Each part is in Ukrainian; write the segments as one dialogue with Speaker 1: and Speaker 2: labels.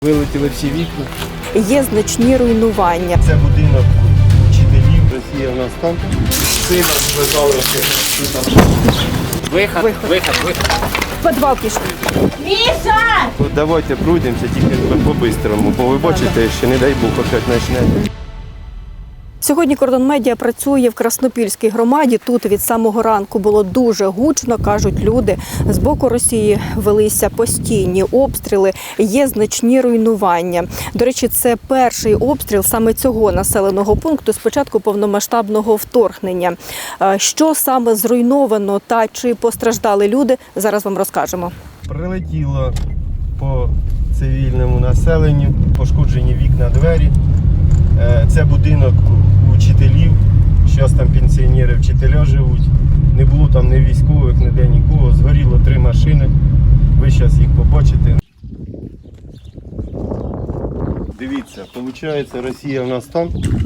Speaker 1: Вилетіли всі вікна.
Speaker 2: Є значні руйнування.
Speaker 3: Це будинок вчителів, Росія в нас там.
Speaker 1: Сина зв'язали. Виход.
Speaker 2: В підвал пішли.
Speaker 3: Давайте пройдемося тільки по-бистрому, бо ви бачите, що не дай Бог опять почне.
Speaker 2: Сьогодні Кордон Медіа працює в Краснопільській громаді. Тут від самого ранку було дуже гучно, кажуть люди. З боку Росії велися постійні обстріли, є значні руйнування. До речі, це перший обстріл саме цього населеного пункту з початку повномасштабного вторгнення. Що саме зруйновано та чи постраждали люди, зараз вам розкажемо.
Speaker 3: Прилетіло по цивільному населенню, пошкоджені вікна, двері. Це будинок учителів, зараз там пенсіонери, вчителя живуть. Не було там ні військових, ніде нікого. Згоріло 3 машини. Ви зараз їх побачите. Дивіться, виходить, Росія в нас там,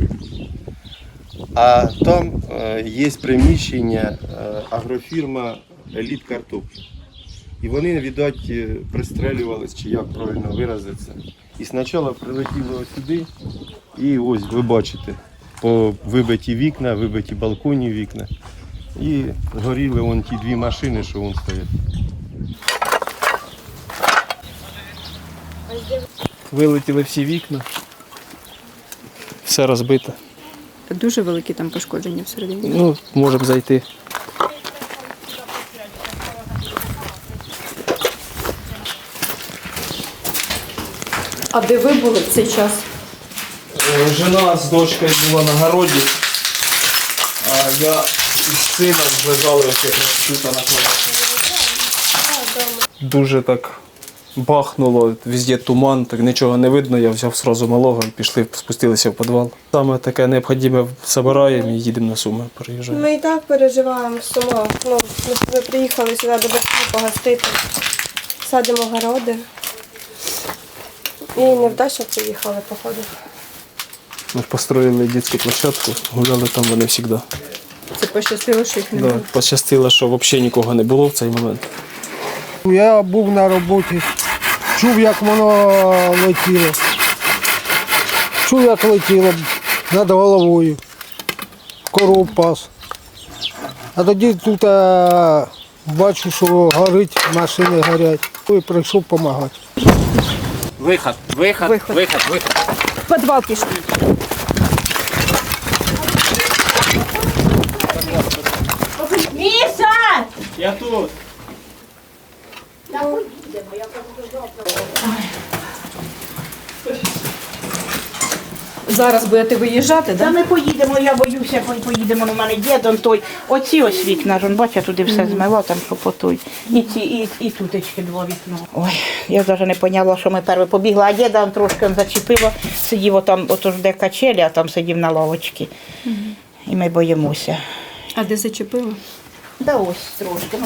Speaker 3: а там є приміщення агрофірма «Еліт Картоплі». І вони, видать, пристрелювались, чи як правильно виразитися. І спочатку прилетіло сюди, і ось ви бачите, по вибиті вікна, вибиті балконні вікна. І горіли вон ті 2 машини, що вон стоять.
Speaker 1: Вилетіли всі вікна. Все розбито.
Speaker 2: Дуже великі там пошкодження всередині.
Speaker 1: Ну, можемо зайти.
Speaker 2: А де ви були в цей час?
Speaker 1: Жена з дочкою була на городі, а я із сином лежали тут на кроваті. Дуже так бахнуло, везде туман, так нічого не видно, я взяв одразу малого, пішли, спустилися в підвал. Саме таке необхідне збираємо і їдемо на Суми, переїжджаємо.
Speaker 4: Ми і так переживаємо з Сума. Ми приїхали сюди до батьків погостити, садимо городи. І невдача приїхали, походу.
Speaker 1: Ми ж построїли дитячу площадку, гуляли там вони завжди.
Speaker 2: Це пощастило, що їх не було.
Speaker 1: Да, пощастило, що взагалі нікого не було в цей момент.
Speaker 5: Я був на роботі, чув, як воно летіло. Чув, як летіло над головою. Коров пас. А тоді тут бачу, що горить, машини горять. І прийшов допомагати.
Speaker 1: Виход.
Speaker 2: В підвал пішли.
Speaker 6: Міша!
Speaker 1: Я тут.
Speaker 2: Зараз будете виїжджати,
Speaker 6: Та
Speaker 2: так?
Speaker 6: ми поїдемо, я боюся, поїдемо, у мене дідом той. Оці ось вікна, бачите, туди все змило, там по той. І ці, і тутечки 2 вікна. Ой, я навіть не поняла, що ми перше побігли, а діда он трошки зачепило, сидів отам, ото ж де качелі, а там сидів на лавочці. І ми боїмося.
Speaker 2: А де зачепило?
Speaker 6: Да ось трошки,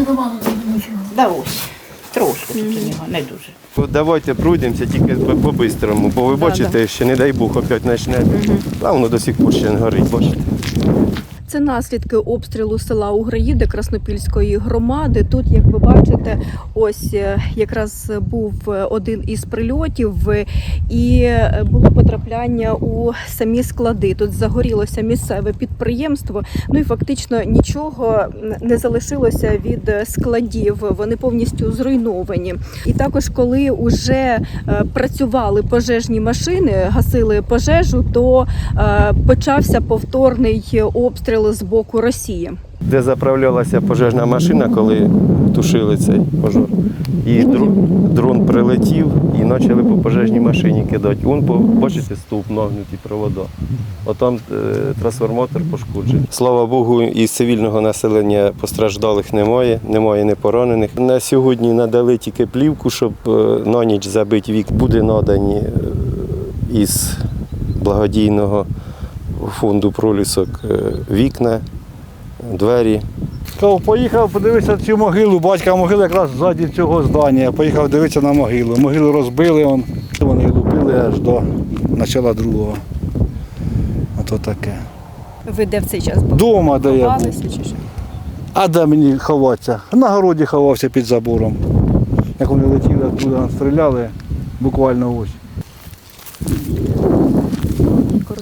Speaker 6: да ось. Трошки тут у нього, не дуже.
Speaker 3: Давайте пройдемося тільки по-бистрому, бо ви бачите, що не дай Бог опять почне. А воно до сих пор ще не горить, бачите.
Speaker 2: Це наслідки обстрілу села Уграїди Краснопільської громади. Тут, як ви бачите, ось якраз був один із прильотів і було потрапляння у самі склади. Тут загорілося місцеве підприємство, ну і фактично нічого не залишилося від складів, вони повністю зруйновані. І також, коли вже працювали пожежні машини, гасили пожежу, то почався повторний обстріл з боку Росії.
Speaker 3: Де заправлялася пожежна машина, коли тушили цей пожар. І дрон прилетів і почали по пожежній машині кидати. Вон, бачите, стовп нагнуті провода. Отам трансформатор пошкоджений. Слава Богу, із цивільного населення постраждалих немає, немає не поранених. На сьогодні надали тільки плівку, щоб на ніч забити вік. Буде надані із благодійного фонду пролісок вікна, двері.
Speaker 5: Поїхав подивитися цю могилу, батька могила якраз ззаді цього здання. Поїхав дивитися на могилу. Могилу розбили, вони лупили аж до початку другого. Ото таке.
Speaker 2: Ви де в цей час були?
Speaker 5: Дома, де я був.
Speaker 2: Ховалися чи що?
Speaker 5: А де мені ховатися? На городі ховався під забором. Як вони летіли, туди стріляли, Буквально ось.